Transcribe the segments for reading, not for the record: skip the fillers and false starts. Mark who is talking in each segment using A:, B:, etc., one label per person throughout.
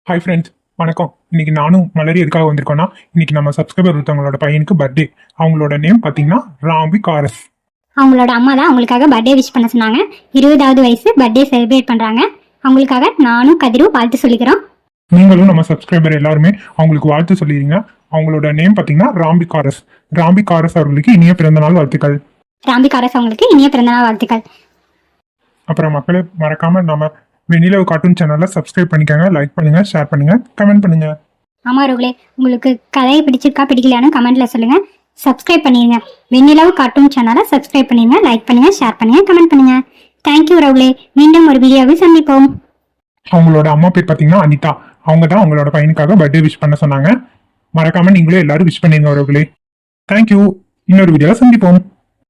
A: Hi friends, வணக்கம். இன்னைக்கு நானும் மலரி எதுக்காக வந்திருக்கோம்னா, இன்னைக்கு நம்ம சப்ஸ்கிரைபர் ஒருத்தவங்களோட பையனுக்கு பர்த்டே. அவங்களோட நேம் பார்த்தீங்கன்னா ராம்பி காரஸ்.
B: அவங்களோட அம்மா தான் அவங்களுக்காக பர்த்டே விஷ் பண்ண சொன்னாங்க. 20வது வயசு பர்த்டே செலிப்ரேட் பண்றாங்க. அவங்களுக்காக நானும் கதிரும் வாழ்த்து சொல்லிக்கிறோம்.
A: நீங்களும் நம்ம சப்ஸ்கிரைபர் எல்லாருமே அவங்களுக்கு வாழ்த்து சொல்லிடுங்க. அவங்களோட நேம் பார்த்தீங்கன்னா ராம்பி காரஸ். ராம்பி காரஸ் அவர்களுக்கு இனிய பிறந்தநாள் வாழ்த்துக்கள்.
B: ராம்பி காரஸ் அவங்களுக்கு இனிய பிறந்தநாள் வாழ்த்துக்கள்.
A: அப்புறம் மக்களே, மறக்காம நம்ம வெண்ணிலவு கார்ட்டூன் சேனலை சப்ஸ்கிரைப் பண்ணிக்கோங்க, லைக் பண்ணுங்க, ஷேர் பண்ணுங்க, கமெண்ட் பண்ணுங்க.
B: ஆமாரோகளே, உங்களுக்கு கதையை பிடிச்சிருக்கா பிடிக்கலையானு கமெண்ட்ல சொல்லுங்க. சப்ஸ்கிரைப் பண்ணிடுங்க. வெண்ணிலவு கார்ட்டூன் சேனலை சப்ஸ்கிரைப் பண்ணிடுங்க, லைக் பண்ணுங்க, ஷேர் பண்ணுங்க, கமெண்ட் பண்ணுங்க. தேங்க்யூ ரவுளே. மீண்டும் ஒரு வீடியோவில் சந்திப்போம்.
A: அவங்களோட அம்மா பேர் பார்த்தீங்கன்னா அனிதா. அவங்க தான் அவங்களோட பையனுக்காக பர்த்டே விஷ் பண்ண சொன்னாங்க. மறக்காம நீங்களே எல்லாரும் விஷ் பண்ணிருங்க அவர்களே. தேங்க்யூ. இன்னொரு வீடியோல சந்திப்போம்.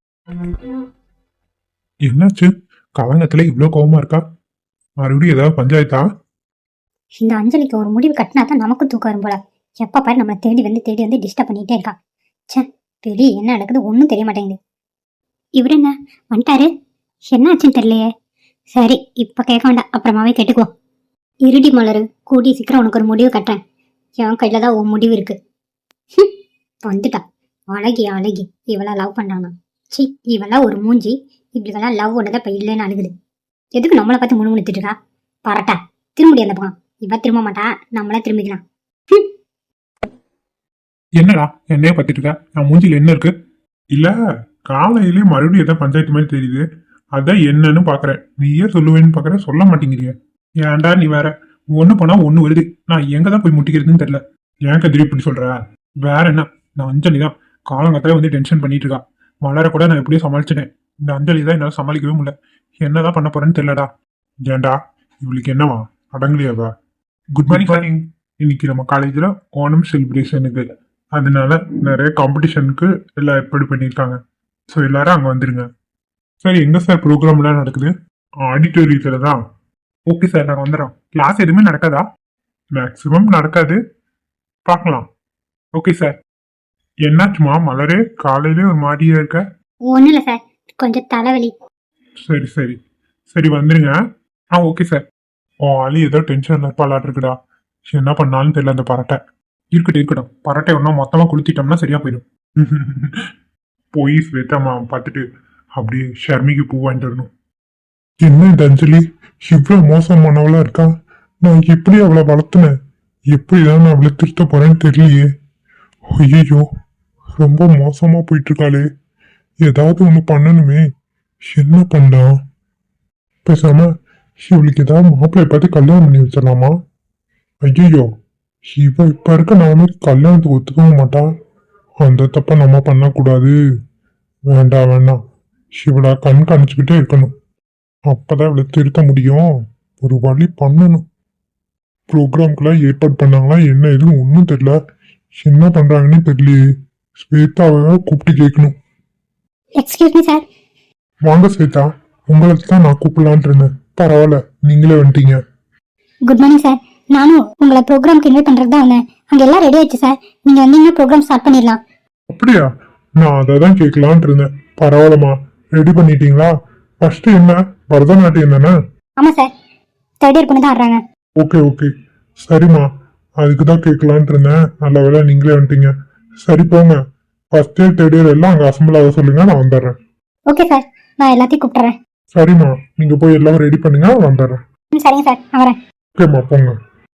A: என்னாச்சு? கவனத்துல இவ்வளோ கோவமா இருக்கா? மறுபடியும் ஏதாவது பஞ்சாயத்தா?
B: இந்த அஞ்சலிக்கு ஒரு முடிவு கட்டினா தான் நமக்கும் தூக்கம் வரும் போல. எப்ப பாரு நம்மளை தேடி வந்து டிஸ்டர்ப் பண்ணிட்டே இருக்கா. ச்சே, வெளியே என்ன நடக்குது ஒன்றும் தெரிய மாட்டேங்குது. இவரு என்ன வந்துட்டாரு? என்ன ஆச்சுன்னு தெரியலையே. சரி, இப்ப கேட்க வேண்டாம், அப்புறமாவே கேட்டுக்குவோம். இருடி மலரு, கூடி சீக்கிரம் உனக்கு ஒரு முடிவு கட்டுறேன். என் கையில தான் உன் முடிவு இருக்கு. வந்துட்டா அழகி அழகி. இவளா லவ் பண்றானா? சி, இவெல்லாம் ஒரு மூஞ்சி. இப்படிவெல்லாம் லவ் ஒன்றதை இப்ப இல்லைன்னு அழுகுது. எதுக்கு நம்மளை பார்த்து முணுமுணுத்துட்டு இருக்கா? பரட்டா திரும்பி அந்த பக்கம். இவ திரும்ப மாட்டா, நம்மள திரும்பிக்கலாம்.
A: என்னடா என்னைய பத்திட்டு இருக்க? நான் மூஞ்சில என்ன இருக்கு? இல்ல, காலையிலே மறுபடியும் ஏதாவது பஞ்சாயத்து மாதிரி தெரியுது. அதான் என்னன்னு பாக்குறேன். நீயே சொல்லுவேன்னு பாக்குற, சொல்ல மாட்டேங்கிறிய. ஏன்டா நீ வேற? ஒண்ணு போனா ஒண்ணு வருது. நான் எங்கதான் போய் முட்டிக்கிறதுன்னு தெரியல. ஏன் கதிரி இப்படி சொல்ற? வேற என்ன, நான் அஞ்சலி தான் காலங்கத்தால வந்து டென்ஷன் பண்ணிட்டு இருக்கா. மலர கூட நான் எப்படியோ சமாளிச்சிட்டேன். இந்த அஞ்சலி தான் என்னால சமாளிக்கவே முடியல. என்னதான் பண்ண போறேன்னு தெரியலடா. ஏன்டா இவளுக்கு என்னவா? அடங்கலையாவா? Good morning. இன்னைக்கு நம்ம காலேஜ்ல ஓணம் செலிப்ரேஷனுக்கு, அதனால நிறைய காம்படிஷனுக்கு எல்லாம் ஏற்பாடு பண்ணியிருக்காங்க. ஸோ எல்லாரும் அங்கே வந்துருங்க. சார், எங்க சார் ப்ரோக்ராம்லாம் நடக்குது? ஆடிட்டோரியத்தில் தான். ஓகே சார், நாங்கள் வந்துடுறோம். கிளாஸ் எதுவுமே நடக்காதா? மேக்ஸிமம் நடக்காது, பார்க்கலாம். Okay sir. என்னாச்சுமா மலரே, காலையிலே ஒரு மாதிரியா இருக்க?
B: ஒன்றும் இல்லை சார், கொஞ்சம் தலைவலி.
A: சரி சரி சரி, வந்துருங்க. Okay sir. ஆளு ஏதோ டென்ஷன்ல இருப்பாளாட்டு இருக்குடா. என்ன பண்ணாலும் தெரியல அந்த பரட்டை. இருக்கட்டும். பரட்டை ஒன்றும் மொத்தமா குளித்திட்டோம்னா சரியா போயிடும். போய் ஸ்வேதாமா பார்த்துட்டு அப்படியே ஷர்மிக்கு பூ வாங்கிட்டு வரணும். என்ன இந்த அஞ்சலி இவ்வளவு மோசமானவளா இருக்கா? நான் எப்படி அவளை வளர்த்துனேன்? எப்படிதான் நான் அவளை திருத்த போறேன்னு தெரியலையே. ஐயோ, ரொம்ப மோசமா போயிட்டு இருக்காளே. ஏதாவது ஒண்ணு பண்ணணுமே. என்ன பண்ணலாம்? பேசாம இவளுக்கு ஏதாவது மாப்பிள்ளை பார்த்து கல்யாணம் பண்ணி வச்சிடலாமா? ஐயோ, இவ இப்ப இருக்க நாம கல்யாணத்துக்கு ஒத்துக்கவும் மாட்டா. அந்த தப்ப நம்ம பண்ணக்கூடாது. வேண்டாம். இவளை கண்காணிச்சுக்கிட்டே இருக்கணும். அப்பதான் இவளை திருத்த முடியும். ஒரு வழி பண்ணணும். ப்ரோக்ராம்க்குலாம் ஏற்பாடு பண்ணாங்களா என்ன எதுவும் ஒன்றும் தெரியல. என்ன பண்றாங்கன்னு தெரியலையே. ஸ்வேதாவை கூப்பிட்டு கேட்கணும்.
B: Excuse me sir.
A: வாங்க ஸ்வேதா, உங்களுக்கு தான் நான் கூப்பிடலான் இருந்தேன். பரவாயில்ல, நீங்களே வந்துட்டீங்க.
B: Good morning sir. நானும் உங்களை ப்ரோக்ராம்க்கு இன்வைட் பண்ணுறது தான் வந்தேன். அங்கே எல்லாம் ரெடி ஆயிடுச்சு சார். நீங்கள் வந்தீங்கன்னா ப்ரோக்ராம் ஸ்டார்ட் பண்ணிடலாம்.
A: அப்படியா? நான் அதை தான் கேட்கலான் இருந்தேன். பரவாயில்லம்மா, ரெடி பண்ணிட்டீங்களா? ஃபர்ஸ்ட் என்ன, பரதநாட்டியம் தானே?
B: ஆமாம் சார், தேர்ட் இயர் பொண்ணு தான் ஆடுறாங்க.
A: ஓகே சரிம்மா, அதுக்கு தான் கேட்கலான் இருந்தேன். நல்ல வேலை நீங்களே வந்துட்டீங்க. சரி போங்க, ஃபர்ஸ்ட் இயர் தேர்ட் இயர் எல்லாம் அங்கே அசம்பிள் ஆக சொல்லுங்க, நான் வந்துடுறேன்.
B: ஓகே சார், நான் எல்லாத்தையும் கூப்பிட்டுறேன்.
A: சரிம்மா, நீங்க போய் எல்லாம் ரெடி பண்ணுங்க, வந்துடுறேன்.
B: சரிங்க சார், நான் வரேன்.
A: ஓகேம்மா, போங்க.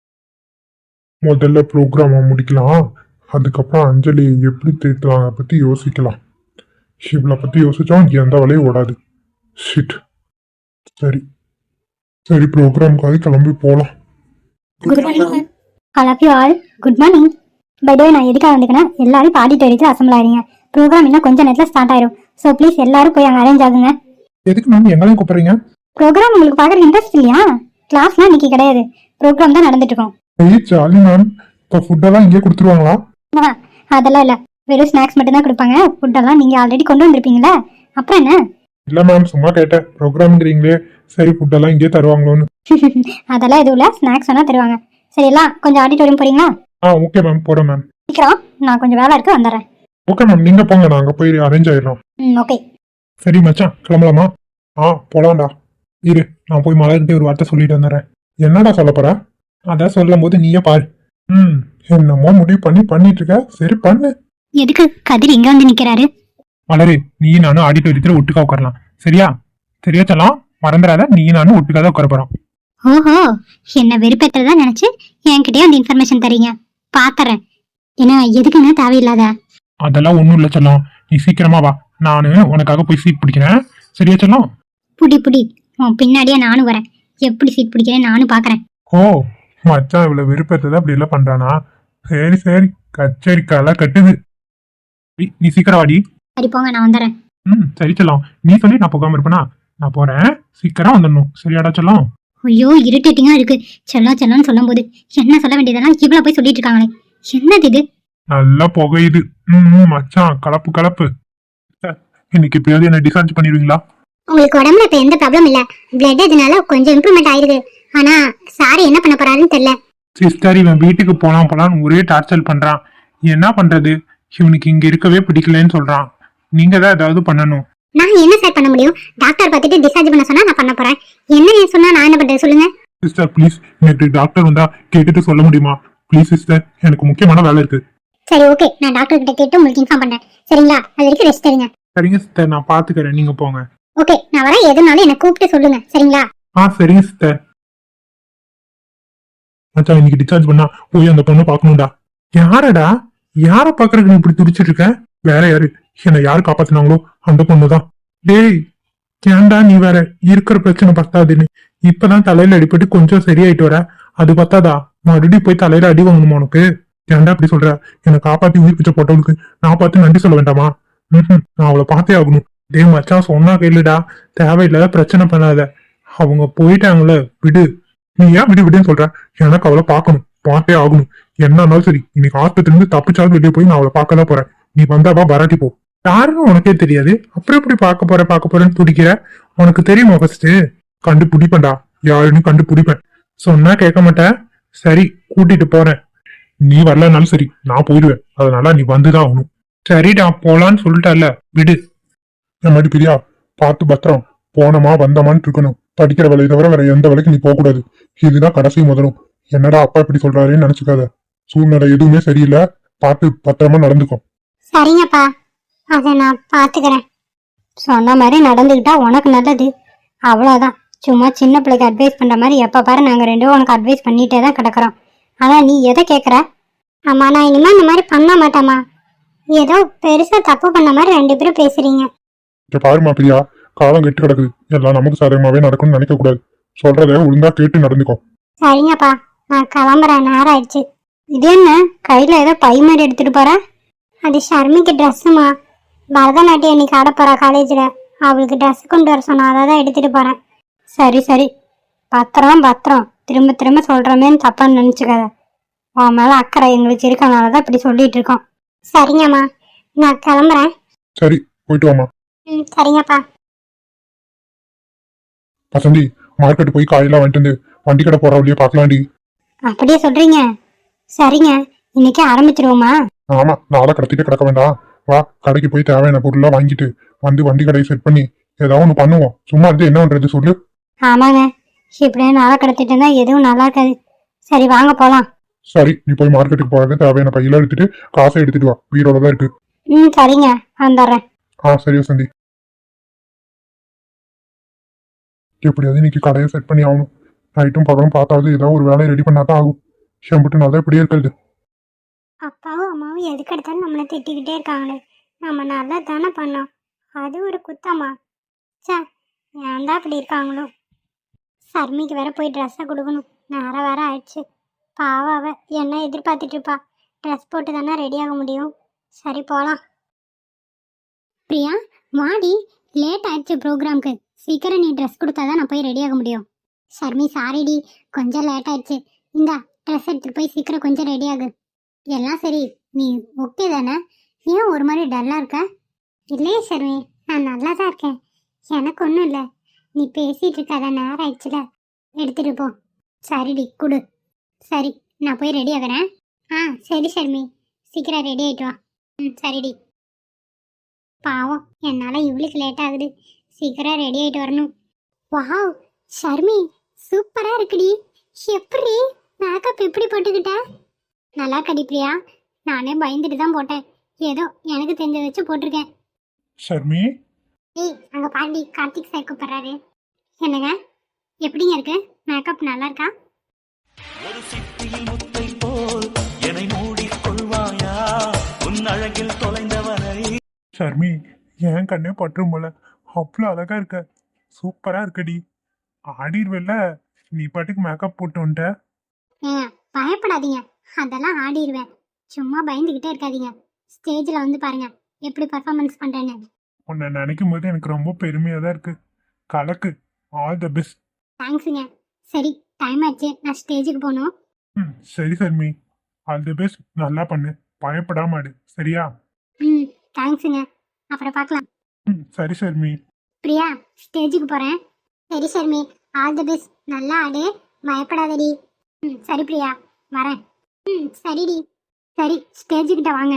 A: முதல்ல ப்ரோக்ராமை முடிக்கலாம். அதுக்கப்புறம் அஞ்சலி எப்படி திருத்தலாம் அதை பற்றி யோசிக்கலாம். இவளை பற்றி யோசிச்சா எந்த வேலையும் ஓடாது. ஷிட். சரி ப்ரோக்ராமுக்காக கிளம்பி போகலாம்.
B: Good morning sir. I love you all. Good morning. By the way, நான் எதுக்காக வந்துக்கேன்னா எல்லாரும் ஆடிட்டோரியத்தில் அசம்பிள் ஆகிறீங்க. ப்ரோக்ராம் இன்னும் கொஞ்சம் நேரத்தில் ஸ்டார்ட் ஆயிரும். ஸோ ப்ளீஸ் எல்லாரும் போய் அங்கே அரேஞ்ச் ஆகுங்க.
A: எதுக்கு மேம் எங்களையும் கூப்பிடுறீங்க?
B: ப்ரோக்ராம் உங்களுக்கு பார்க்குற இன்ட்ரெஸ்ட் இல்லையா? கிளாஸ்லாம் இன்னைக்கு கிடையாது, ப்ரோக்ராம் தான் நடந்துட்டு இருக்கோம்.
A: Jolly ma'am. இப்போ ஃபுட்டெல்லாம் இங்கே கொடுத்துருவாங்களா?
B: அதெல்லாம் இல்லை, வெறும் ஸ்நாக்ஸ் மட்டும் தான் கொடுப்பாங்க. ஃபுட்டெல்லாம் நீங்கள் ஆல்ரெடி கொண்டு வந்திருப்பீங்களா, அப்புறம் என்ன?
A: இல்லை மேம், சும்மா கேட்டேன். ப்ரோக்ராம்ங்கிறீங்களே, சரி ஃபுட்டெல்லாம் இங்கே தருவாங்களோன்னு.
B: அதெல்லாம் எதுவும் இல்லை, ஸ்நாக்ஸ் வேணா தருவாங்க. சரி, எல்லாம் கொஞ்சம் ஆடிட்டோரியம் போறீங்களா?
A: ஓகே மேம், போகிறேன் மேம்.
B: சீக்கிரம், நான் கொஞ்சம் வேலை இருக்கு, வந்துடுறேன்.
A: ஓகே மேம், நீங்கள் போங்க, நான் அங்கே போய் அரேஞ்ச் ஆயிடுறோம்.
B: ஓகே.
A: சரி மச்சான், கிளம்பலாமா? போலாம்டா. இரு, நான் போய் மலர்கிட்ட ஒரு வார்த்தை சொல்லிட்டு வந்துடுறேன். என்னடா சொல்ல போற? அதான் சொல்லும் போது நீயே பாரு. ம் என்னமோ முடிவு பண்ணிட்டு இருக்க, சரி பண்ணு.
B: எதுக்கு கதிர் இங்க வந்து நிக்கிறாரு?
A: மலரு, நீ நானும் ஆடிட்டோரியத்துல ஒட்டுக்கா உட்காரலாம், சரியா? சரியா சொல்லலாம், மறந்துடாத, நீ நானும் ஒட்டுக்கா தான் உட்கார போறோம்.
B: ஓஹோ, என்ன வெறுப்பேற்றதா நினைச்சு என்கிட்டயே அந்த இன்ஃபர்மேஷன் தரீங்க. பாத்துறேன். என்ன எதுக்குங்க தேவையில்லாத?
A: அதெல்லாம் ஒண்ணும் இல்ல செல்லம், நீ சீக்கிரமா வா, நானு உனக்காக போய் சீட் பிடிக்கிறேன், சரியா செல்லம்?
B: புடி புடி, உன் பின்னாடியே நானும் வரேன். எப்படி சீட் பிடிக்கிறேன் நானும் பாக்குறேன்.
A: ஓ, மச்சான் இவ்வளவு விருப்பத்தை அப்படி எல்லாம் பண்றானா? சரி சரி, கச்சேரி களை கட்டுது. நீ சீக்கிரம் வாடி.
B: சரி போங்க, நான் வந்துடுறேன்.
A: சரி செல்லம், நீ சொல்லி நான் போகாம இருப்பேனா? நான் போறேன், சீக்கிரம் வந்துடணும், சரியாடா செல்லம்?
B: ஐயோ இரிட்டேட்டிங்கா இருக்கு. செல்லம் செல்லம்னு சொல்லும் போது என்ன சொல்ல வேண்டியதெல்லாம் இவ்வளவு போய் சொல்லிட்டு இருக்காங்களே. என்னது இது?
A: நல்லா புகையுது. மச்சான் கலப்பு கலப்பு. இன்னைக்கு எப்படியாவது என்ன டிஸ்சார்ஜ் பண்ணிடுவீங்களா?
B: உங்களுக்கு உடம்புல இப்ப எந்த ப்ராப்ளம் இல்ல. பிளட் இதனால கொஞ்சம் இம்ப்ரூவ்மெண்ட் ஆயிருக்கு. ஆனா சாரி என்ன பண்ண போறாருன்னு தெரியல.
A: சிஸ்டர், இவன் வீட்டுக்கு போலாம் போலான்னு ஒரே டார்ச்சர் பண்றான். என்ன பண்றது? இவனுக்கு இங்க இருக்கவே பிடிக்கலன்னு சொல்றான். நீங்க தான் ஏதாவது பண்ணணும்.
B: நான் என்ன சார் பண்ண முடியும்? டாக்டர் பார்த்துட்டு டிஸ்சார்ஜ் பண்ண சொன்னா நான் பண்ண போறேன். என்ன சொன்னா நான் என்ன பண்றது சொல்லுங்க.
A: சிஸ்டர் ப்ளீஸ், எனக்கு டாக்டர் வந்தா கேட்டுட்டு சொல்ல முடியுமா? ப்ளீஸ் சிஸ்டர், எனக்கு முக்கியமான வேலை இருக்கு.
B: சரி ஓகே, நான் டாக்டர் கிட்ட கேட்டு உங்களுக்கு இன்ஃபார்ம் பண்றேன். சரிங்களா? அது வரைக்கும் ரெஸ்ட் எடுங்க.
A: சரிங்க சிஸ்டர், நான் பாத்துக்கிறேன், நீங்க போங்க.
B: ஓகே, நான் வரேன். எதுனாலும் என்ன கூப்பிட்டு சொல்லுங்க. சரிங்களா?
A: சரிங்க சிஸ்டர். மச்சான் இன்னைக்கு டிஸ்சார்ஜ் பண்ணா போய் அந்த பொண்ணு பாக்கணும்டா. யாரடா? யார பாக்குறதுக்கு நீ இப்படி துடிச்சிட்டு இருக்க? வேற யாரு? என்னை யாரு காப்பாத்தினாங்களோ அந்த பொண்ணுதான். டேய், ஏன்டா நீ வேற இருக்கிற பிரச்சனை பத்தாதுன்னு இப்பதான் தலையில அடிபட்டு கொஞ்சம் சரியாயிட்டு வர, அது பத்தாதா மறுபடியும் போய் தலையில அடி வாங்கணுமா உனக்கு? ஏன்டா அப்படி சொல்ற? என்னை காப்பாத்தி உயிர் பிச்சை போட்டவளுக்கு நான் பார்த்து நன்றி சொல்ல வேண்டாமா? நான் அவளை பார்த்தே ஆகணும். டேய் மச்சான், சொன்னா கேளுடா, தேவையில்லாத பிரச்சனை பண்ணாத. அவங்க போயிட்டாங்களே, விடு. நீ ஏன் விடு விடுன்னு சொல்ற? எனக்கு அவளை பார்க்கணும், பார்த்தே ஆகணும். என்ன இருந்தாலும் சரி, இன்னைக்கு ஆஸ்பத்திரி இருந்து தப்பிச்சாலும் வெளியே போய் நான் அவளை பார்க்க தான் போறேன். நீ வந்தாவா வராட்டி போ. யாருன்னு உனக்கே தெரியாது, அப்புறம் எப்படி பார்க்க போறேன்னு துடிக்கிற? உனக்கு தெரியுமா? ஃபர்ஸ்ட் கண்டுபிடிப்பேன்டா, யாருன்னு கண்டுபிடிப்பேன். சொன்னா கேட்க மாட்டேன். சரி, கூட்டிட்டு போறேன். நீ வரலனாலும் சரி, நான் போயிடுவேன். அதனால நீ வந்துதான் ஆகணும். சரிடா, போலான்னு சொல்லிட்டல, விடு. என் மாதிரி பிரியா, பார்த்து பத்திரம். போனமா வந்தமான்னு இருக்கணும். படிக்கிற வேலையை தவிர வேற எந்த வேலைக்கு நீ போக கூடாது. இதுதான் கடைசி முதலும். என்னடா அப்பா இப்படி சொல்றாருன்னு நினைச்சுக்காத. சூழ்நிலை எதுவுமே சரியில்லை, பார்த்து பத்திரமா நடந்துக்கும்.
B: சரிங்கப்பா, அதை நான் பாத்துக்கிறேன். சொன்ன மாதிரி நடந்துக்கிட்டா உனக்கு நல்லது. அவ்வளவுதான். சும்மா சின்ன பிள்ளைக்கு அட்வைஸ் பண்ற மாதிரி எப்ப பாரு நாங்க ரெண்டும் உனக்கு அட்வைஸ் பண்ணிட்டே தான் கிடக்குறோம். ஆனா நீ எதை கேக்குற? அம்மா, நான் இனிமே இந்த மாதிரி பண்ண மாட்டேம்மா. ஏதோ பெருசா தப்பு பண்ண மாதிரி ரெண்டு பேரும் பேசுறீங்க.
A: பாருமா பிரியா, காலம் கெட்டு கிடக்குது. எல்லாம் நமக்கு சாதகமாவே நடக்கும்னு நினைக்க கூடாது. சொல்றத ஒழுங்கா கேட்டு நடந்துக்கும்.
B: சரிங்கப்பா, நான் கிளம்புறேன், நேரம் ஆயிடுச்சு. இது என்ன கையில ஏதோ பை மாதிரி எடுத்துட்டு போற? அது ஷர்மிக்கு ட்ரெஸ்ஸுமா. பரதநாட்டியம் இன்னைக்கு ஆட போறா காலேஜ்ல. அவளுக்கு ட்ரெஸ் கொண்டு வர சொன்னா, அதை தான் எடுத்துட்டு போறேன். சரி சரி, பத்திரம் பத்திரம். திரும்ப திரும்ப சொல்றமேன்னு தப்பான்னு நினைச்சுக்காத. உன் மேல அக்கறை எங்களுக்கு இருக்கனாலதான் இப்படி சொல்லிட்டு இருக்கோம். சரிங்கம்மா, நான் கிளம்புறேன்.
A: சரி, போயிட்டு வாமா.
B: சரிங்கப்பா.
A: வசந்தி, மார்க்கெட் போய் காயெல்லாம் வாங்கிட்டு வந்து வண்டி கடை போற வழியே பார்க்கலாண்டி.
B: அப்படியே சொல்றீங்க? சரிங்க, இன்னைக்கே ஆரம்பிச்சிருவோமா?
A: ஆமா, நாளை கடத்திட்டு கிடக்க வேண்டாம். வா, கடைக்கு போய் தேவையான பொருள்லாம் வாங்கிட்டு வந்து வண்டி கடையை செட் பண்ணி ஏதாவது ஒண்ணு பண்ணுவோம். சும்மா இருந்து என்ன பண்றது சொல்லு.
B: ஆமாங்க, இப்படியே நாளை கடத்திட்டு இருந்தா எதுவும் நல்லா இருக்காது. சரி வாங்க போலாம்.
A: சரி, நீ போய் மார்க்கெட்டுக்கு போறது தேவையான பையெல்லாம் எடுத்துட்டு காசை எடுத்துட்டு வா, வீரோட தான் இருக்கு.
B: சரிங்க, வந்துடுறேன்.
A: சரி வசந்தி. எப்படியாவது இன்னைக்கு கடையை செட் பண்ணி ஆகணும். நைட்டும் பகலும் பார்த்தாவது ஏதாவது ஒரு வேலையை ரெடி பண்ணாதான் ஆகும். ஷம்புட்டு நல்லா இப்படியே இருக்கிறது.
B: அப்பாவும் அம்மாவும் எதுக்கு எடுத்தாலும் நம்மளை திட்டிக்கிட்டே இருக்காங்களே. நம்ம நல்லா தானே பண்ணோம், அது ஒரு குத்தமா? சே, ஏன்டா அப்படி இருக்காங்களோ. சர்மிக்கு வேற போய் ட்ரெஸ்ஸை கொடுக்கணும், நேரம் வேற ஆயிடுச்சு. பாவாவ என்ன எதிர்பார்த்துட்டு இருப்பா. ட்ரெஸ் போட்டு தானே ரெடி ஆக முடியும். சரி போகலாம். பிரியா வாடி, லேட் ஆயிடுச்சு ப்ரோக்ராம்க்கு. சீக்கிரம் நீ ட்ரெஸ் கொடுத்தாதான் நான் போய் ரெடி ஆக முடியும். ஷர்மி சாரிடி, கொஞ்சம் லேட் ஆயிடுச்சு. இந்தா ட்ரெஸ் எடுத்துட்டு போய் சீக்கிரம் கொஞ்சம் ரெடி ஆகு. எல்லாம் சரி, நீ ஓகே தானே? ஏன் ஒரு மாதிரி டல்லா இருக்க? இல்லையே ஷர்மி, நான் நல்லா தான் இருக்கேன். எனக்கு ஒன்றும் இல்லை. நீ பேசிட்டு இருக்காத, நேரம் ஆயிடுச்சுல. எடுத்துட்டு போ. சரிடி, கொடு. சரி, நான் போய் ரெடி ஆகிறேன். சரி ஷர்மி, சீக்கிரம் ரெடி ஆயிட்டு வா. சரிடி. பாவம், என்னால் இவளுக்கு லேட் ஆகுது. சீக்கிரம் ரெடி ஆயிட்டு வரணும். வாவ் ஷர்மி, சூப்பராக இருக்குடி. எப்படி? மேக்கப் எப்படி போட்டுக்கிட்ட? நல்லா கடி பிரியா. நானே பயந்துட்டு தான் போட்டேன். ஏதோ எனக்கு தெரிஞ்ச வச்சு போட்டிருக்கேன்.
A: ஷர்மி,
B: ஏய் அங்க பாண்டி கார்த்திக் சார் கூப்பிடுறாரு. என்னங்க எப்படிங்க இருக்கு? மேக்கப் நல்லா இருக்கா?
C: ஒரு சிட்டியில் முத்தை போல் என்னை மூடிக்கொள்வாயா உன் அழகில் தொலைந்தவரை.
A: ஷர்மி, என் கண்ணே பற்றும் போல அவ்வளோ அழகா இருக்க. சூப்பரா இருக்கடி. ஆடிடுவேல நீ பாட்டுக்கு மேக்கப் போட்டு வந்துட்ட.
B: ஏங்க பயப்படாதீங்க, அதெல்லாம் ஆடிடுவேன். சும்மா பயந்துக்கிட்டே இருக்காதீங்க. ஸ்டேஜில் வந்து பாருங்க எப்படி பர்ஃபார்மன்ஸ் பண்ணுறேன்னு.
A: உன்னை நினைக்கும் போது எனக்கு ரொம்ப பெருமையாக தான் இருக்கு. கலக்கு. All the best.
B: தேங்க்ஸுங்க. சரி டைம் ஆச்சு, நான் ஸ்டேஜுக்கு போகணும்.
A: சரி ஷர்மி, ஆல் தி பெஸ்ட். நல்லா பண்ணு, பயப்படாம ஆடு. சரியா?
B: தேங்க்ஸுங்க. அப்புறம் பார்க்கலாம்.
A: சரி ஷர்மி.
B: பிரியா ஸ்டேஜுக்கு போகிறேன். சரி ஷர்மி, ஆல் தி பெஸ்ட். நல்லா ஆடு, பயப்படாதடி. சரி பிரியா, வரேன். சரிடி. சரி ஸ்டேஜுக்கிட்ட வாங்க.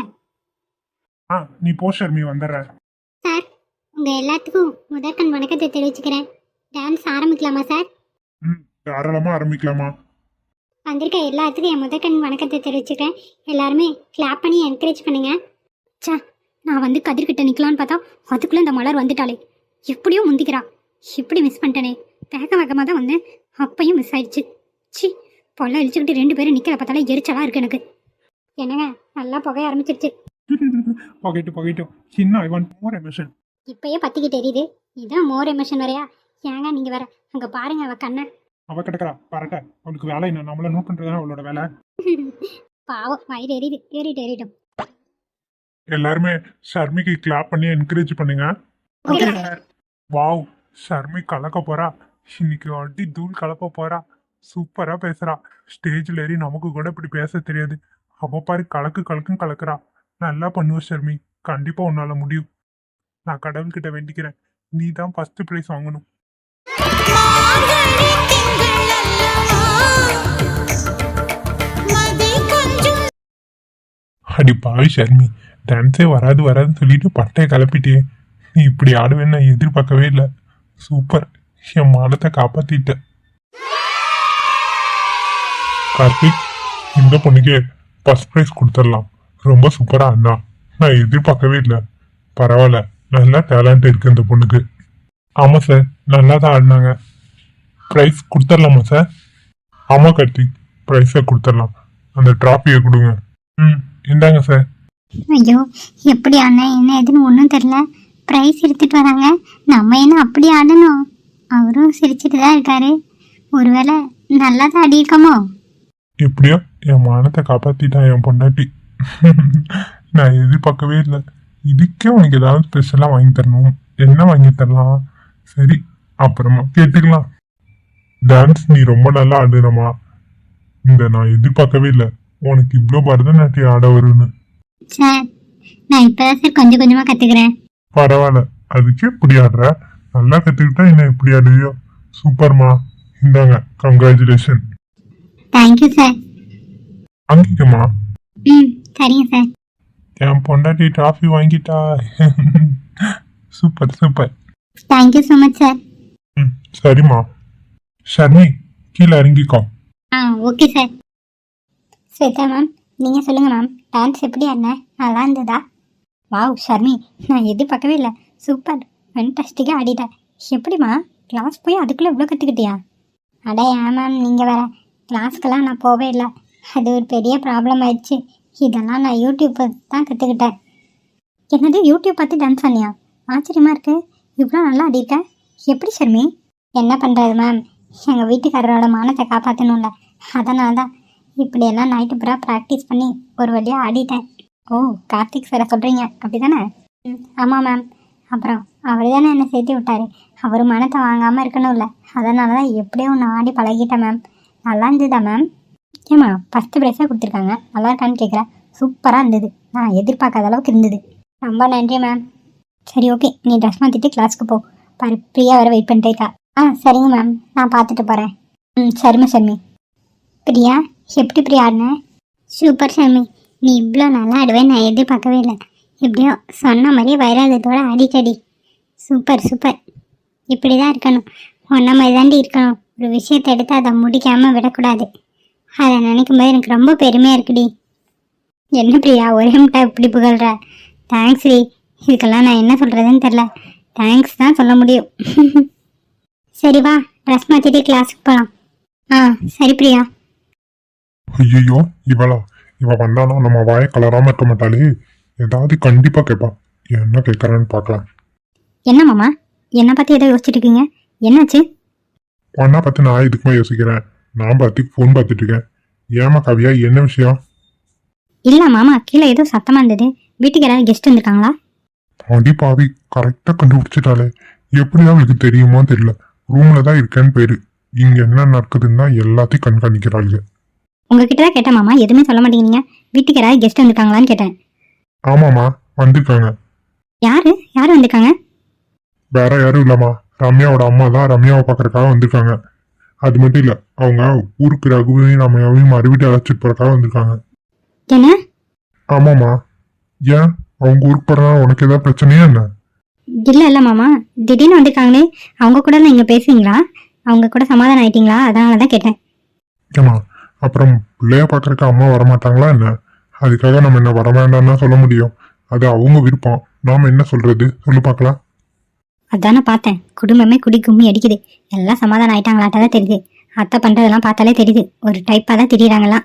A: நீ போ ஷர்மி, வந்துடுறேன்.
B: சார் உங்கள் எல்லாத்துக்கும் முதற்கண் வணக்கத்தை தெரிவிச்சுக்கிறேன். டான்ஸ் ஆரம்பிக்கலாமா சார்?
A: தாராளமா ஆரம்பிக்கலாமா?
B: வந்திருக்க எல்லாத்துக்கும் என் முதற்கண் வணக்கத்தை தெரிவிச்சுக்கிறேன். எல்லாருமே கிளாப் பண்ணி என்கரேஜ் பண்ணுங்க. சே, நான் வந்து கதிர்கிட்ட நிற்கலான்னு பார்த்தா அதுக்குள்ளே இந்த மலர் வந்துட்டாளே. எப்படியோ முந்திக்கிறா. இப்படி மிஸ் பண்ணிட்டேனே. வேகமாக தான் வந்தேன், அப்பையும் மிஸ் ஆயிடுச்சு. சி, பொல்ல இழிச்சுக்கிட்டு 2 பேரும் நிற்கிற பார்த்தாலே எரிச்சலாக இருக்கு எனக்கு. என்னங்க நல்லா புகைய ஆரம்பிச்சிருச்சு.
A: புகைட்டும். சின்ன ஐ வாண்ட் மோர் எமோஷன்.
B: இப்பயே பத்திக்கிட்டு எரியுது. இதான் மோர் எமோஷன் வரையா? ஏங்க நீங்கள் வேற அங்கே பாருங்க அவ கண்ணை.
A: அவ கிடக்குறா பரட்ட. அவளுக்கு வேலை என்ன? நம்மள நோட் பண்றதுதான் அவளோட வேலை.
B: பாவம் வயிறு எரியுது. ஏறிட்டும்.
A: எல்லாருமே ஷர்மிக்கு கிளாப் பண்ணி என்கரேஜ் பண்ணுங்க. வாவ், ஷர்மி கலக்க போறா. இன்னைக்கு அடி தூள் கலப்ப போறா. சூப்பரா பேசுறா. ஸ்டேஜ்ல ஏறி நமக்கு கூட இப்படி பேச தெரியாது. அவ பாரு கலக்குன்னு கலக்குறா. நல்லா பண்ணுவ ஷர்மி. கண்டிப்பா உன்னால முடியும். நான் கடவுள்கிட்ட வேண்டிக்கிறேன், நீ தான் ஃபர்ஸ்ட் பிரைஸ் வாங்கணும். அடி பாவி ஷர்மி, டான்ஸே வராதுன்னு சொல்லிட்டு பட்டையை கிளப்பிட்டே. நீ இப்படி ஆடுவேன்னு நான் எதிர்பார்க்கவே இல்லை. சூப்பர், என் மானத்தை காப்பாத்திட்ட. கார்த்திக், இந்த பொண்ணுக்கே ஃபர்ஸ்ட் ப்ரைஸ் கொடுத்துடலாம். ரொம்ப சூப்பரா ஆடினா. நான் எதிர்பார்க்கவே இல்லை. பரவாயில்ல, நல்லா டேலண்ட் இருக்கு இந்த பொண்ணுக்கு. ஆமா சார், நல்லா தான் ஆடினாங்க. ப்ரைஸ் கொடுத்துடலாமா சார்? ஆமா கார்த்திக், ப்ரைஸை கொடுத்துடலாம். அந்த ட்ராஃபியை கொடுங்க. இந்தாங்க சார்.
B: ஐயோ, எப்படி ஆடினேன் என்ன ஏதுன்னு ஒன்றும் தெரில. ப்ரைஸ் எடுத்துட்டு வராங்க, நம்ம என்ன அப்படி ஆடணும்? அவரும் சிரிச்சுட்டு தான் இருக்காரு. ஒருவேளை நல்லா தான் ஆடியிருக்கோமோ?
A: எப்படியோ என் மானத்தை காப்பாத்திட்டான் என் பொண்டாட்டி. நான் எதிர்பார்க்கவே இல்லை. இதுக்கே உனக்கு ஏதாவது ஸ்பெஷலாக வாங்கி தரணும். என்ன வாங்கி தரலாம்? சரி, அப்புறமா கேட்டுக்கலாம். டான்ஸ் நீ ரொம்ப நல்லா ஆடுறமா. நான் எதிர்பார்க்கவே இல்லை உனக்கு இவ்வளோ பரதநாட்டியம் ஆட வரும்னு.
B: சார் நான் இப்போதான் சார் கொஞ்சம் கொஞ்சமாக கற்றுக்கிறேன்.
A: பரவாயில்ல, அதுக்கே இப்படி ஆடுற. நல்லா கற்றுக்கிட்டா என்ன இப்படி ஆடுவியோ. சூப்பர்மா. இந்தாங்க, கங்க்ராச்சுலேஷன்.
B: Thank you sir.
A: வாங்கிக்கம்மா.
B: சரிங்க சார்.
A: என் பொண்டாட்டி ட்ராஃபி வாங்கிட்டா. Super.
B: Thank you so much sir.
A: சரிம்மா. ஷர்மி, கீழே இறங்கிக்கோ.
B: Okay sir. ஸ்வேதா மேம், நீங்கள் சொல்லுங்கள் மேம். டான்ஸ் எப்படி ஆடினேன்? நல்லா இருந்ததா? வாவ் ஷர்மி, நான் எதிர்பார்க்கவே இல்லை. சூப்பர், ஃபென்டாஸ்டிக்காக ஆடிட்டேன். எப்படிம்மா கிளாஸ் போய் அதுக்குள்ளே இவ்வளோ கற்றுக்கிட்டியா? அட ஏன் மேம் நீங்கள் வேறு, கிளாஸ்க்கெல்லாம் நான் போவே இல்லை. அது ஒரு பெரிய ப்ராப்ளம் ஆயிடுச்சு. இதெல்லாம் நான் யூடியூப் தான் கற்றுக்கிட்டேன். என்னது யூடியூப் பார்த்து டான்ஸ் ஆனியா? ஆச்சரியமாக இருக்குது. இவ்வளோ நல்லா ஆடிருக்க. எப்படி ஷர்மி? என்ன பண்ணுறது மேம், எங்கள் வீட்டுக்காரரோட மானத்தை காப்பாற்றணும்ல, அதனால தான் இப்படியெல்லாம் நைட்டு பூரா ப்ராக்டிஸ் பண்ணி ஒரு வழியாக ஆடிட்டேன். ஓ, கார்த்திக் சாரை சொல்கிறீங்க அப்படி தானே? ஆமாம் மேம். அப்புறம் அவர் தானே என்னை சேர்த்து விட்டார். அவர் மனத்தை வாங்காமல் இருக்கணும்ல, அதனால தான் எப்படியோ ஒன்று ஆடி பழகிட்டேன் மேம். நல்லா இருந்ததா மேம்? ஏம்மா ஃபஸ்ட்டு ப்ரைஸாக கொடுத்துருக்காங்க, நல்லா இருக்கான்னு கேட்குறேன். சூப்பராக இருந்தது, நான் எதிர்பார்க்காத அளவுக்கு இருந்தது. ரொம்ப நன்றி மேம். சரி ஓகே, நீ ட்ரெஸ் மாற்றிட்டு கிளாஸ்க்கு போ. பாரு பிரியா வர வெயிட் பண்ணிட்டே இருக்கா. சரிங்க மேம், நான் பார்த்துட்டு போகிறேன். சரிம்மா ஷர்மி. பிரியா, எப்படி பிரியா ஆடினேன்? சூப்பர் ஷர்மி, நீ இவ்வளோ நல்லா ஆடுவேன் நான் எதிர்பார்க்கவே இல்லை. எப்படியோ சொன்ன மாதிரியே வைராதத்தோட அடிக்கடி. சூப்பர். இப்படி தான் இருக்கணும். ஒன்றை மாதிரி தாண்டி இருக்கணும். ஒரு விஷயத்தை எடுத்து அதை முடிக்காமல் விடக்கூடாது. அதை நினைக்கும் போது எனக்கு ரொம்ப பெருமையாக இருக்குடி. என்ன பிரியா ஒரே முட்டா இப்படி புகழ்ற? Thanks D. இதுக்கெல்லாம் நான் என்ன சொல்கிறதுன்னு தெரில. தேங்க்ஸ் தான் சொல்ல முடியும். சரி வா, ட்ரெஸ் மாற்றிட்டு கிளாஸுக்கு போகலாம். ஆ சரி பிரியா.
A: ஐயோ இவ வந்தானா நம்ம வாயை கலராம இருக்க மாட்டாளே. ஏதாவது கண்டிப்பா கேட்பா. என்ன கேட்கறான்னு பார்க்கலாம்.
B: என்ன மாமா, என்னை பற்றி ஏதோ யோசிச்சுட்டு இருக்கீங்க? என்னாச்சு?
A: உன்னை பார்த்து நான் இதுக்குமே யோசிக்கிறேன். நான் பார்த்து ஃபோன் பார்த்துட்டு இருக்கேன். ஏமா கவியா, என்ன விஷயம்?
B: இல்லை மாமா, கீழே ஏதோ சத்தமாக இருந்தது. வீட்டுக்கு யாராவது கெஸ்ட் வந்திருக்காங்களா?
A: அடி பாவி, கரெக்டா கண்டுபிடிச்சிட்டாலே. எப்படிதான் அவளுக்கு தெரியுமோ தெரியல. ரூம்ல தான் இருக்கேன்னு பேரு. இங்க என்ன நடக்குதுன்னு தான் எல்லாத்தையும் கண்காணிக்கிறாளுங்க.
B: உங்ககிட்ட தான் கேட்டேன் மாமா, எதுவுமே சொல்ல மாட்டேங்கிறீங்க. வீட்டுக்கு யாராவது கெஸ்ட் வந்திருக்காங்களான்னு கேட்டேன்.
A: ஆமாமா, வந்திருக்காங்க.
B: யாரு யார் வந்திருக்காங்க?
A: வேற யாரும் இல்லம்மா, ரம்யாவோட அம்மா தான் ரம்யாவை பார்க்கறதுக்காக வந்திருக்காங்க. அது மட்டும் இல்ல, அவங்க ஊருக்கு ரகுவையும் ரம்யாவையும் மறுபடியும் அழைச்சிட்டு போறதுக்காக வந்திருக்காங்க.
B: என்ன?
A: ஆமாமா. ஏன் அவங்க ஊருக்கு போறதுனால உனக்கு ஏதாவது பிரச்சனையா என்ன?
B: இல்லை மாமா, திடீர்னு வந்திருக்காங்களே. அவங்க கூட நீங்கள் பேசுவீங்களா? அவங்க கூட சமாதானம் ஆயிட்டீங்களா? அதனால தான் கேட்டேன்.
A: ஏமா, அப்புறம் பிள்ளைய பார்க்கறதுக்கு அம்மா வரமாட்டாங்களா என்ன? அதுக்காக நம்ம என்ன வர வேண்டாம்னா சொல்ல முடியும்? அது அவங்க விருப்பம். நாம என்ன சொல்றது சொல்லு பார்க்கலாம்.
B: அதானே பார்த்தேன், குடும்பமே குடி கும்மி அடிக்குது. எல்லாம் சமாதானம் ஆயிட்டாங்களாட்ட தான் தெரியுது. அத்தை பண்ணுறதெல்லாம் பார்த்தாலே தெரியுது, ஒரு டைப்பாக தான் தெரியுறாங்களாம்.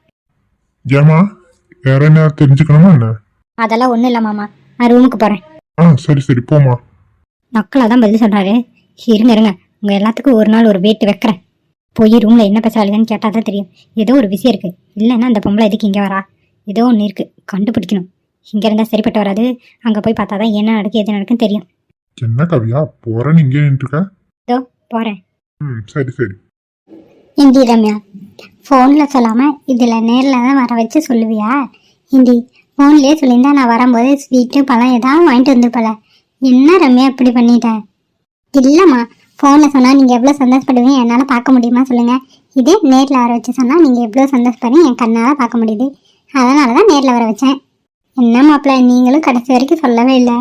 A: ஏமா, வேற என்ன தெரிஞ்சுக்கணுமா என்ன?
B: அதெல்லாம் ஒன்றும் இல்லை மாமா, நான் ரூமுக்கு போகிறேன்.
A: சரி சரி போமா.
B: நக்கலாக தான் பதில் சொல்கிறாரு. இருங்க, உங்கள் எல்லாத்துக்கும் ஒரு நாள் ஒரு வேட்டு வைக்கிறேன். போய் ரூமில் என்ன பேசுறாளுன்னு கேட்டால் தான் தெரியும். ஏதோ ஒரு விஷயம் இருக்குது. இல்லைன்னா அந்த பொம்பளை எதுக்கு இங்கே வரா? ஏதோ ஒன்று இருக்குது, கண்டுபிடிக்கணும். இங்கே இருந்தால் சரிப்பட்டு வராது. அங்கே போய் பார்த்தா தான் என்ன நடக்கு எது நடக்குன்னு தெரியும்.
A: என்ன கவியா, போறேன்னு இங்கே நின்றுருக்க?
B: இதோ போகிறேன்.
A: சரி சரி.
B: இந்தி ரம்யா, ஃபோனில் சொல்லாமல் இதில் நேரில் தான் வர வச்சு சொல்லுவியா? இந்தி ஃபோன்லேயே சொல்லியிருந்தா நான் வரும்போது ஸ்வீட்டு பழம் ஏதாவது வாங்கிட்டு வந்துருப்பல. என்ன ரம்யா இப்படி பண்ணிட்டேன்? இல்லைம்மா, ஃபோனில் சொன்னால் நீங்கள் எவ்வளோ சந்தோஷப்படுவீங்க என்னால் பார்க்க முடியுமா சொல்லுங்கள். இதே நேரில் வர வச்சு சொன்னால் நீங்கள் எவ்வளோ சந்தோஷப்படுறீங்க என் கண்ணால் பார்க்க முடியுது. அதனால தான் நேரில் வர வச்சேன். என்ன மாப்பிள்ள, நீங்களும் கடைசி வரைக்கும் சொல்லவே இல்லை.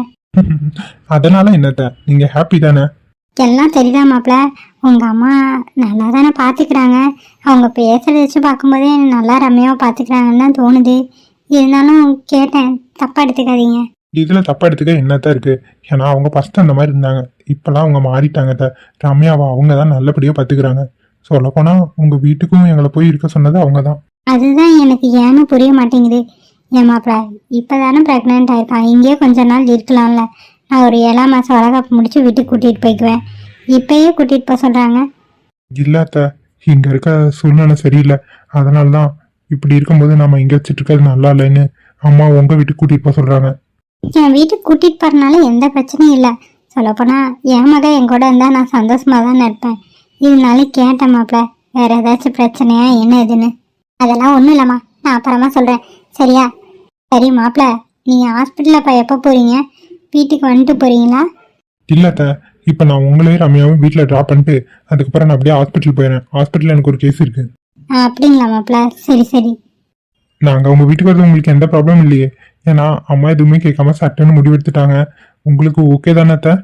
A: அதனால என்னத்த, நீங்க ஹாப்பி தானே?
B: எல்லாம் தெரியுதா மாப்பிள்ள? உங்கள் அம்மா நல்லா தானே பார்த்துக்கிறாங்க. அவங்க பேசுகிறத வச்சு பார்க்கும்போதே நல்லா ரம்யாவை பார்த்துக்கிறாங்கன்னு தான் தோணுது. இருந்தாலும் கேட்டேன், தப்பாக எடுத்துக்காதீங்க.
A: இதுல தப்பா எடுத்துக்க என்னத்தான் இருக்கு? ஏன்னா அவங்க ஃபர்ஸ்ட் அந்த மாதிரி இருந்தாங்க. இப்பெல்லாம் அவங்க மாறிட்டாங்க. ரம்யாவை அவங்க தான் நல்லபடியா பாத்துக்கிறாங்க. சொல்ல போனா உங்க வீட்டுக்கும் எங்களை போய் இருக்க சொன்னது அவங்க தான்.
B: அதுதான் எனக்கு ஏன்னு புரிய மாட்டேங்குது. என் மாப்பிள்ள இப்போ தானே ப்ரெக்னென்ட் ஆயிருக்கான். இங்கேயே கொஞ்ச நாள் இருக்கலாம்ல. நான் ஒரு 7ஆம் மாதம் வளகாப்பு முடிச்சு வீட்டுக்கு கூட்டிகிட்டு போய்க்குவேன். இப்பயே கூட்டிகிட்டு போக சொல்கிறாங்க.
A: இல்லாத இங்க இருக்க சூழ்நிலை சரியில்லை. அதனால தான் இப்படி இருக்கும்போது நம்ம இங்க வச்சுட்டு இருக்கிறது நல்லா இல்லைன்னு அம்மா உங்க வீட்டுக்கு கூட்டிட்டு போக சொல்றாங்க.
B: என் வீட்டுக்கு கூட்டிகிட்டு போகிறனால எந்த பிரச்சனையும் இல்லை. சொல்லப்போனால் என் மகன் என் கூட இருந்தால் நான் சந்தோஷமாக தான் இருப்பேன். இருந்தாலும் கேட்டேன் மாப்பிள்ள, வேறு ஏதாச்சும் பிரச்சனையா என்ன இதுன்னு. அதெல்லாம் ஒன்றும் இல்லைம்மா, நான் அப்புறமா சொல்கிறேன். சரியா? சரி மாப்பிள்ள, நீங்கள் ஹாஸ்பிட்டலில் இப்போ எப்போ போகிறீங்க? வீட்டுக்கு வந்துட்டு போகிறீங்களா?
A: இல்லாத இப்போ நான் உங்களையும் ரம்யாவும் வீட்டில் ட்ராப் பண்ணிட்டு அதுக்கப்புறம் நான் அப்படியே ஹாஸ்பிட்டல் போயிடுறேன். ஹாஸ்பிட்டலில் எனக்கு ஒரு கேஸ் இருக்கு.
B: அப்படிங்களா மாப்பிள்ள? சரி சரி.
A: நாங்கள் உங்கள் வீட்டுக்கு வரது உங்களுக்கு எந்த ப்ராப்ளம் இல்லையே. ஏன்னா அம்மா எதுவுமே கேட்காம சட்டுன்னு முடிவெடுத்துட்டாங்க. உங்களுக்கு ஓகே தானே அத்தை?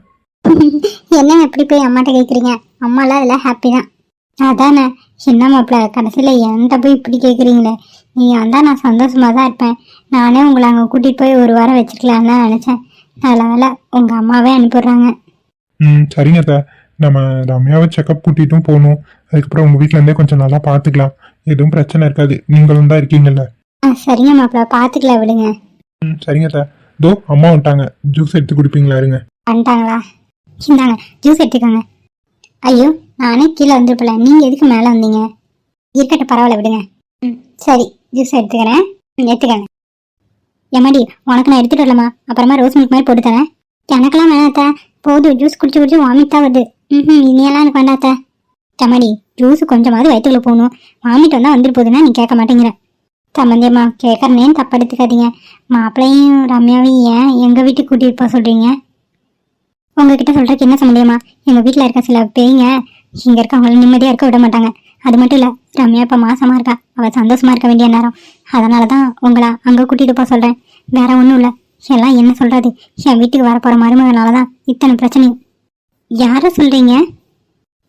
B: என்ன எப்படி போய் அம்மாட்ட கேட்குறீங்க? அம்மாலாம் அதில் ஹாப்பி தான். அதானே, என்ன மாப்பிள்ள கடைசியில் என்கிட்ட போய் இப்படி கேட்குறீங்களே. நீங்கள் வந்தால் நான் சந்தோஷமாக தான் இருப்பேன். நானே உங்களை அங்கே கூட்டிகிட்டு போய் ஒரு வாரம் வச்சுக்கலான்னு தான் நினச்சேன். நல்ல வேலை உங்கள் அம்மாவே அனுப்பிடுறாங்க.
A: சரிங்க அத்தை, நம்ம ரம்யாவை செக்கப் கூட்டிகிட்டும் போகணும். அதுக்கப்புறம் உங்கள் வீட்டிலேருந்தே கொஞ்சம் நல்லா பார்த்துக்கலாம். எதுவும் பிரச்சனை இருக்காது. நீங்களும் தான் இருக்கீங்கல்ல.
B: சரிங்க மாப்பிள்ள, பார்த்துக்கலாம் விடுங்க.
A: சரிங்க அத்தை. தோ அம்மா வந்துட்டாங்க. ஜூஸ் எடுத்து குடிப்பீங்களா? இருங்க.
B: வந்துட்டாங்களா? இந்தாங்க ஜூஸ் எடுத்துக்கோங்க. ஐயோ, நானே கீழே வந்துருப்பல, நீங்கள் எதுக்கு மேலே வந்தீங்க? இருக்கட்டும், பரவாயில்ல விடுங்க. சரி, ஜூஸ் எடுத்துக்கிறேன். எடுத்துக்கங்க. எம்மாடி, உனக்கு நான் எடுத்துகிட்டு வரலாமா? அப்புறமா ரோஸ் மில்க் மாதிரி போட்டு தரேன். எனக்கெல்லாம் வேணாத்த, போதும். ஜூஸ் குடிச்சு வாமிட் தான் வருது. இனியெல்லாம் எனக்கு வேண்டாத்த. எம்மாடி, ஜூஸ் கொஞ்சமாவது வயிற்றுக்குள்ள போகணும். வாமிட் வந்தால் வந்துட்டு போகுதுன்னா நீ கேட்க மாட்டேங்கிற. சம்மந்தியம்மா, கேட்குறனேன்னு தப்பு எடுத்துக்காதீங்க. மாப்பிள்ளையும் ரம்யாவையும் ஏன் எங்கள் வீட்டுக்கு கூட்டிகிட்டு போக சொல்கிறீங்க? உங்ககிட்ட சொல்கிறதுக்கு என்ன சம்மந்தியம்மா? எங்கள் வீட்டில் இருக்க சில பேய்ங்க இங்கே இருக்கவங்கள நிம்மதியாக இருக்க விட மாட்டாங்க. அது மட்டும் இல்லை, ரம்யா இப்போ மாசமாக இருக்கா. அவள் சந்தோஷமாக இருக்க வேண்டிய நேரம். அதனால தான் உங்களை அங்கே கூட்டிகிட்டு போக சொல்கிறேன். வேற ஒன்றும் இல்லை. எல்லாம் என்ன சொல்கிறது, என் வீட்டுக்கு வரப்போகிற மருமகனால தான் இத்தனை பிரச்சனையும். யாரை சொல்கிறீங்க?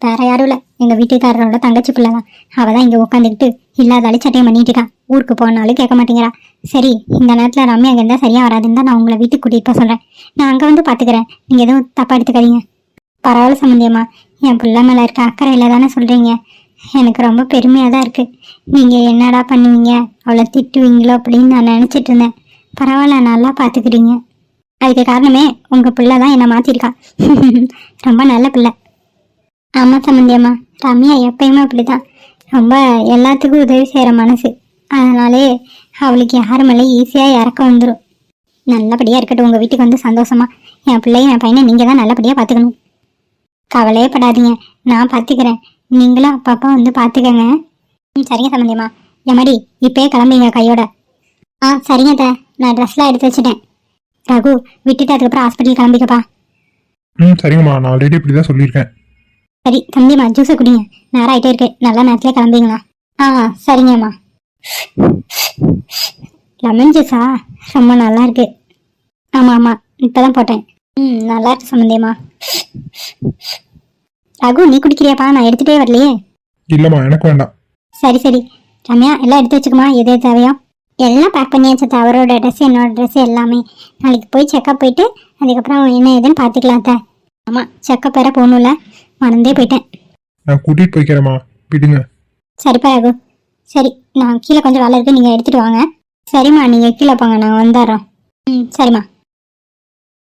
B: வேற யாரும் இல்லை, எங்கள் வீட்டுக்காரரோட தங்கச்சி பிள்ளை தான். அவள் தான் இங்கே உட்காந்துக்கிட்டு இல்லாத அழிச்சட்டையும் பண்ணிட்டு இருக்கா. ஊருக்கு போனாலும் கேட்க மாட்டேங்கிறா. சரி, இந்த நேரத்தில் ரம்யா அங்கே இருந்தால் சரியாக வராதுன்னு தான் நான் உங்களை வீட்டுக்கு கூட்டிகிட்டு போக சொல்கிறேன். நான் அங்கே வந்து பார்த்துக்கிறேன், நீங்கள் எதுவும் தப்பாக எடுத்துக்காதீங்க. பரவாயில்ல சம்மந்தியம்மா, என் பிள்ளை மேலே இருக்க அக்கறையில் தானே சொல்கிறீங்க. எனக்கு ரொம்ப பெருமையாக தான் இருக்குது. நீங்கள் என்னடா பண்ணுவீங்க, அவளை திட்டுவீங்களோ அப்படின்னு நான் நினச்சிட்டு இருந்தேன். பரவாயில்ல, நல்லா பார்த்துக்கிறீங்க. அதுக்கு காரணமே உங்கள் பிள்ளை தான் என்னை மாற்றிருக்கா. ரொம்ப நல்ல பிள்ளை. ஆமாம் சம்மந்தியம்மா, ரம்யா எப்பயுமே அப்படி தான். ரொம்ப எல்லாத்துக்கும் உதவி செய்கிற மனசு. அதனாலே அவளுக்கு யார் மேலே ஈஸியாக இறக்க வந்துடும். நல்லபடியாக இருக்கட்டும், உங்கள் வீட்டுக்கு வந்து சந்தோஷமா. என் பிள்ளையும் என் பையனை நீங்கள் தான் நல்லபடியாக பார்த்துக்கணும். கவலையே படாதீங்க, நான் பார்த்துக்கிறேன். நீங்களும் அப்பப்போ வந்து பார்த்துக்கங்க. சரிங்க சம்மந்தியம்மா. எம்மாடி, இப்போயே கிளம்பிங்க கையோட. சரிங்க அத்தை, நான் ட்ரெஸ்லாம் எடுத்து வச்சுட்டேன். ரகு, விட்டுட்டு அதுக்கப்புறம் ஹாஸ்பிட்டல் கிளம்பிக்கப்பா.
A: சரிங்கம்மா, நான் ஆல்ரெடி இப்படி தான் சொல்லியிருக்கேன்.
B: சரி தம்பிம்மா, ஜூஸை குடிங்க. நேரம் ஆகிட்டே இருக்கு, நல்ல நேரத்தில் கிளம்பிங்களா? சரிங்கம்மா. லெமன் ஜூஸா? ரொம்ப நல்லா இருக்கு. ஆமாம் ஆமாம், இப்போ தான் போட்டேன். நல்லா இருக்கு சம்மந்தியம்மா. ரகு, நீ குடிக்கிறியாப்பா? நான் எடுத்துகிட்டே வரலையே.
A: இல்லைம்மா, எனக்கு வேண்டாம்.
B: சரி சரி ரம்யா, எல்லாம் எடுத்து வச்சுக்குமா, எது எது தேவையோ எல்லாம் பேக் பண்ணியாச்சு. அவரோட ட்ரெஸ், என்னோட ட்ரெஸ் எல்லாமே. நாளைக்கு போய் செக்கப் போயிட்டு அதுக்கப்புறம் என்ன ஏதுன்னு பார்த்துக்கலாம் அத்தை. ஆமாம், செக்கப் வேற போகணும்ல, மறந்தே போயிட்டேன்.
A: நான் கூட்டிகிட்டு போய்க்கிறேம்மா, விடுங்க.
B: சரிப்பா ரகு. சரி, நான் கீழே கொஞ்சம் வேலை இருக்குது, நீங்கள் எடுத்துகிட்டு வாங்க. சரிம்மா, நீங்கள் கீழே போங்க, நாங்கள் வந்துடுறோம். சரிம்மா.